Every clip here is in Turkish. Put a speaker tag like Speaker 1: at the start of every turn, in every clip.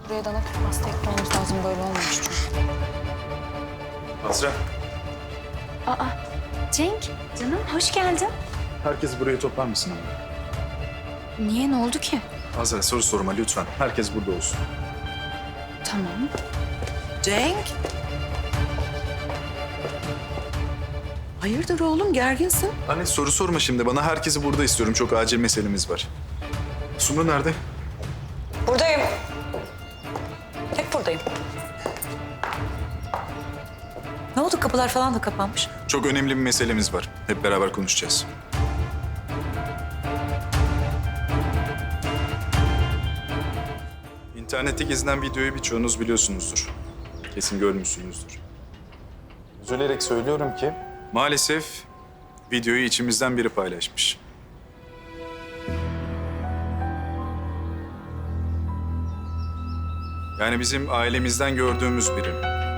Speaker 1: Buraya dana kuru pasta ekmemiz lazım. Böyle olmamış çünkü.
Speaker 2: Azra,
Speaker 1: Aa, Cenk, canım hoş geldin.
Speaker 2: herkes buraya toplar mısın ama?
Speaker 1: Niye, ne oldu ki?
Speaker 2: Azra soru sorma lütfen. Herkes burada olsun.
Speaker 1: Tamam.
Speaker 3: Cenk. Hayırdır oğlum, gerginsin?
Speaker 2: Anne soru sorma şimdi. Bana herkesi burada istiyorum. Çok acil meselemiz var. Sumru nerede?
Speaker 3: Buradayım. Hep buradayım. Ne oldu? Kapılar falan da kapanmış.
Speaker 2: Çok önemli bir meselemiz var. Hep beraber konuşacağız. İnternette gezilen videoyu birçoğunuz biliyorsunuzdur. Kesin görmüşsünüzdür. Üzülerek söylüyorum ki maalesef videoyu içimizden biri paylaşmış. Yani bizim ailemizden gördüğümüz biri.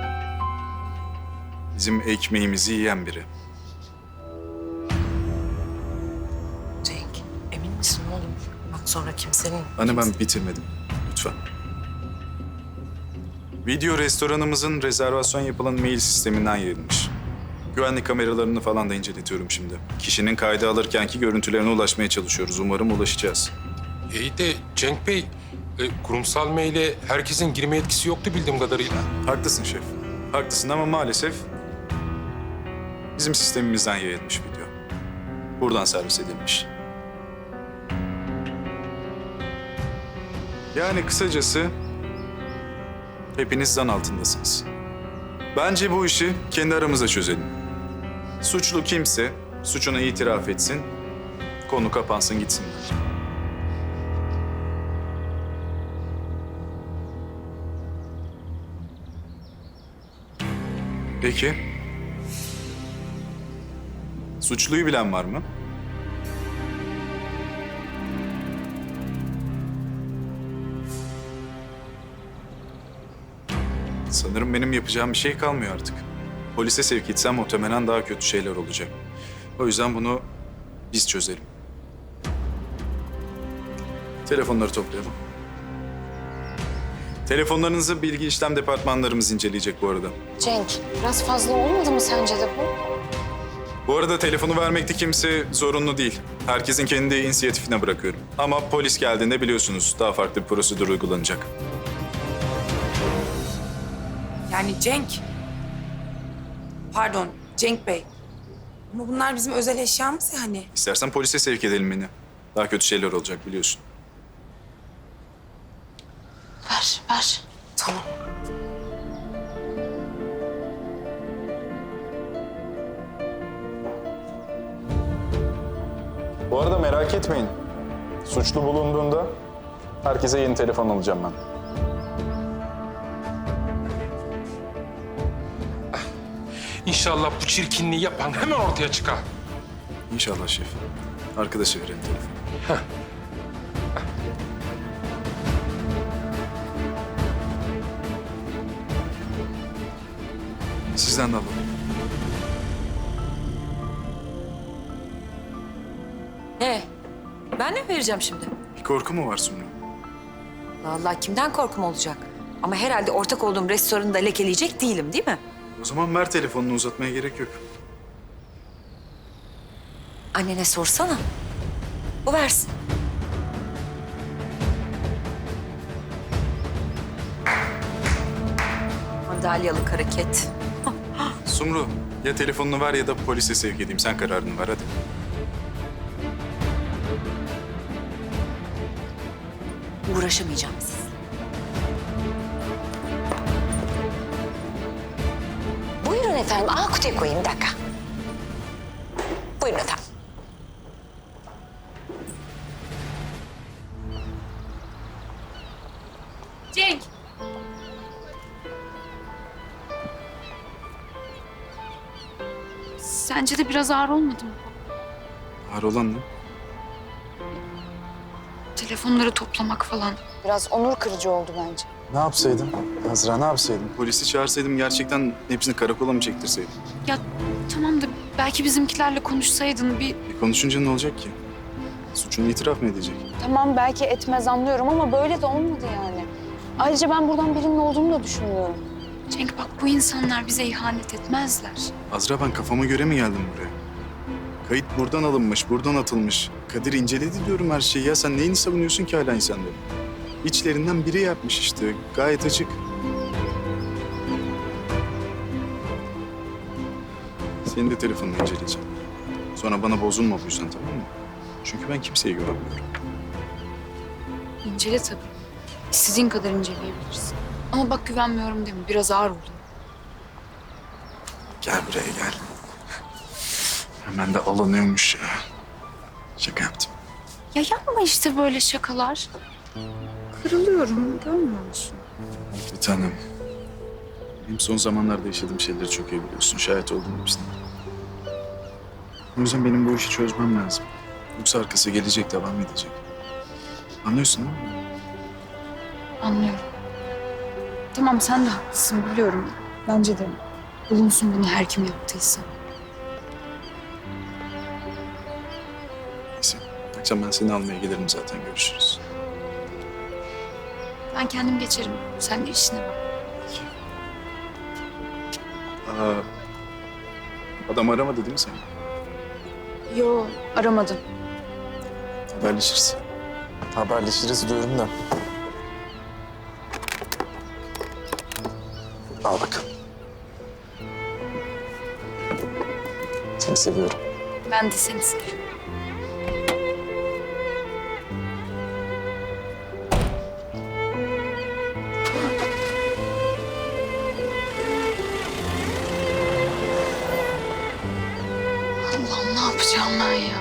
Speaker 2: Bizim ekmeğimizi yiyen biri.
Speaker 3: Cenk, emin misin oğlum? Bak sonra kimsenin...
Speaker 2: Anne ben bitirmedim. Lütfen. Video restoranımızın rezervasyon yapılan mail sisteminden yayılmış. Güvenlik kameralarını falan da inceletiyorum şimdi. Kişinin kaydı alırkenki görüntülerine ulaşmaya çalışıyoruz. Umarım ulaşacağız.
Speaker 4: İyi de Cenk Bey, kurumsal maile herkesin girme yetkisi yoktu bildiğim kadarıyla.
Speaker 2: Haklısın şef. Haklısın ama maalesef bizim sistemimizden yayılmış video. Buradan servis edilmiş. Yani kısacası hepiniz zan altındasınız. Bence bu işi kendi aramızda çözelim. Suçlu kimse suçunu itiraf etsin, konu kapansın gitsinler. Peki. Suçluyu bilen var mı? Sanırım benim yapacağım bir şey kalmıyor artık. Polise sevk etsem muhtemelen daha kötü şeyler olacak. O yüzden bunu biz çözelim. Telefonları toplayalım. Telefonlarınızı bilgi işlem departmanlarımız inceleyecek bu arada.
Speaker 1: Cenk, biraz fazla olmadı mı sence de bu?
Speaker 2: Bu arada telefonu vermekte kimse zorunlu değil. Herkesin kendi inisiyatifine bırakıyorum. Ama polis geldiğinde biliyorsunuz daha farklı bir prosedür uygulanacak.
Speaker 5: Yani Cenk. Pardon, Cenk Bey. Ama bunlar bizim özel eşyamız ya hani.
Speaker 2: İstersen polise sevk edelim beni. Daha kötü şeyler olacak biliyorsun.
Speaker 1: Ver, ver.
Speaker 5: Tamam.
Speaker 2: Bu arada merak etmeyin. Suçlu bulunduğunda herkese yeni telefon alacağım ben.
Speaker 4: İnşallah bu çirkinliği yapan hemen ortaya çıkar.
Speaker 2: İnşallah şef. Arkadaşa verelim telefonu. Sizden de alalım.
Speaker 3: Ben ne vereceğim şimdi?
Speaker 2: Bir korku mu var Sumru?
Speaker 3: Vallahi kimden korkum olacak? Ama herhalde ortak olduğum restoranı da lekeleyecek değilim, değil mi?
Speaker 2: O zaman ver telefonunu uzatmaya gerek yok.
Speaker 3: Annene sorsana. O versin. Madalyalık hareket.
Speaker 2: Sumru ya telefonunu ver ya da polise sevk edeyim. Sen kararını ver hadi.
Speaker 3: Uğraşamayacağım siz.
Speaker 6: Buyurun efendim. Aa, kutuya koyayım, bir dakika. Buyurun efendim.
Speaker 1: Cenk. Sence de biraz ağır olmadı mı?
Speaker 2: Ağır olan ne?
Speaker 1: Telefonları toplamak falan.
Speaker 6: Biraz onur kırıcı oldu bence.
Speaker 2: Ne yapsaydım? Azra ne yapsaydım? Polisi çağırsaydım gerçekten hepsini karakola mı çektirseydim?
Speaker 1: Ya tamam da belki bizimkilerle konuşsaydın bir...
Speaker 2: Konuşunca ne olacak ki? Suçunu itiraf mı edecek?
Speaker 6: Tamam, belki etmez anlıyorum ama böyle de olmadı yani. Ayrıca ben buradan birinin olduğunu da düşünmüyorum.
Speaker 1: Cenk bak bu insanlar bize ihanet etmezler.
Speaker 2: Azra ben kafama göre mi geldim buraya? Kayıt buradan alınmış, buradan atılmış. Kadir inceledi diyorum her şeyi ya. Sen neyini savunuyorsun ki hala insanları? İçlerinden biri yapmış işte. Gayet açık. Senin de telefonunu inceleyeceğim. Sonra bana bozulma bu yüzden, tamam mı? Çünkü ben kimseye güvenmiyorum.
Speaker 1: İncele tabii. İstediğin kadar inceleyebilirsin. Ama bak güvenmiyorum deme. Biraz ağır oldu.
Speaker 2: Gel buraya gel. Hemen de alınıyormuş ya. Şaka yaptım.
Speaker 1: Ya yapma işte böyle şakalar. Kırılıyorum. Görmüyor musun?
Speaker 2: Bir tanem. Benim son zamanlarda yaşadığım şeyleri çok iyi biliyorsun. Şahit oldum hepsine. O yüzden benim bu işi çözmem lazım. Yoksa arkası gelecek, devam edecek. Anlıyorsun değil mi?
Speaker 1: Anlıyorum. Tamam sen de haklısın biliyorum. Bence de bulunsun bunu her kim yaptıysa.
Speaker 2: Neyse. Akşam ben seni almaya gelirim zaten. Görüşürüz.
Speaker 1: Ben kendim geçerim. Sen de işine bak.
Speaker 2: Adam aramadı değil mi seni?
Speaker 1: Yo aramadım.
Speaker 2: Haberleşiriz.
Speaker 7: Haberleşiriz diyorum da. Al bakalım. Seni seviyorum.
Speaker 1: Ben de seni seviyorum. Allah'ım ne yapacağım ben ya?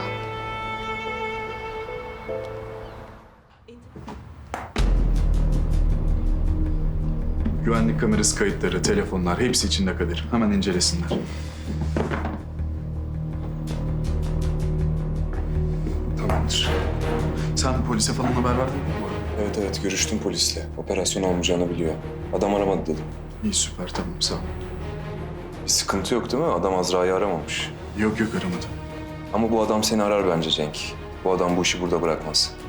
Speaker 2: Güvenlik kamerası kayıtları, telefonlar hepsi içinde Kadir. Hemen incelesinler. Tamamdır. Sen polise falan haber verdin mi bu arada?
Speaker 7: Evet görüştüm polisle. Operasyon olmayacağını biliyor. Adam aramadı dedim.
Speaker 2: İyi süper tamam sağ ol.
Speaker 7: Bir sıkıntı yok değil mi? Adam Azra'yı aramamış.
Speaker 2: Yok aramadım.
Speaker 7: Ama bu adam seni arar bence Cenk. Bu adam bu işi burada bırakmaz.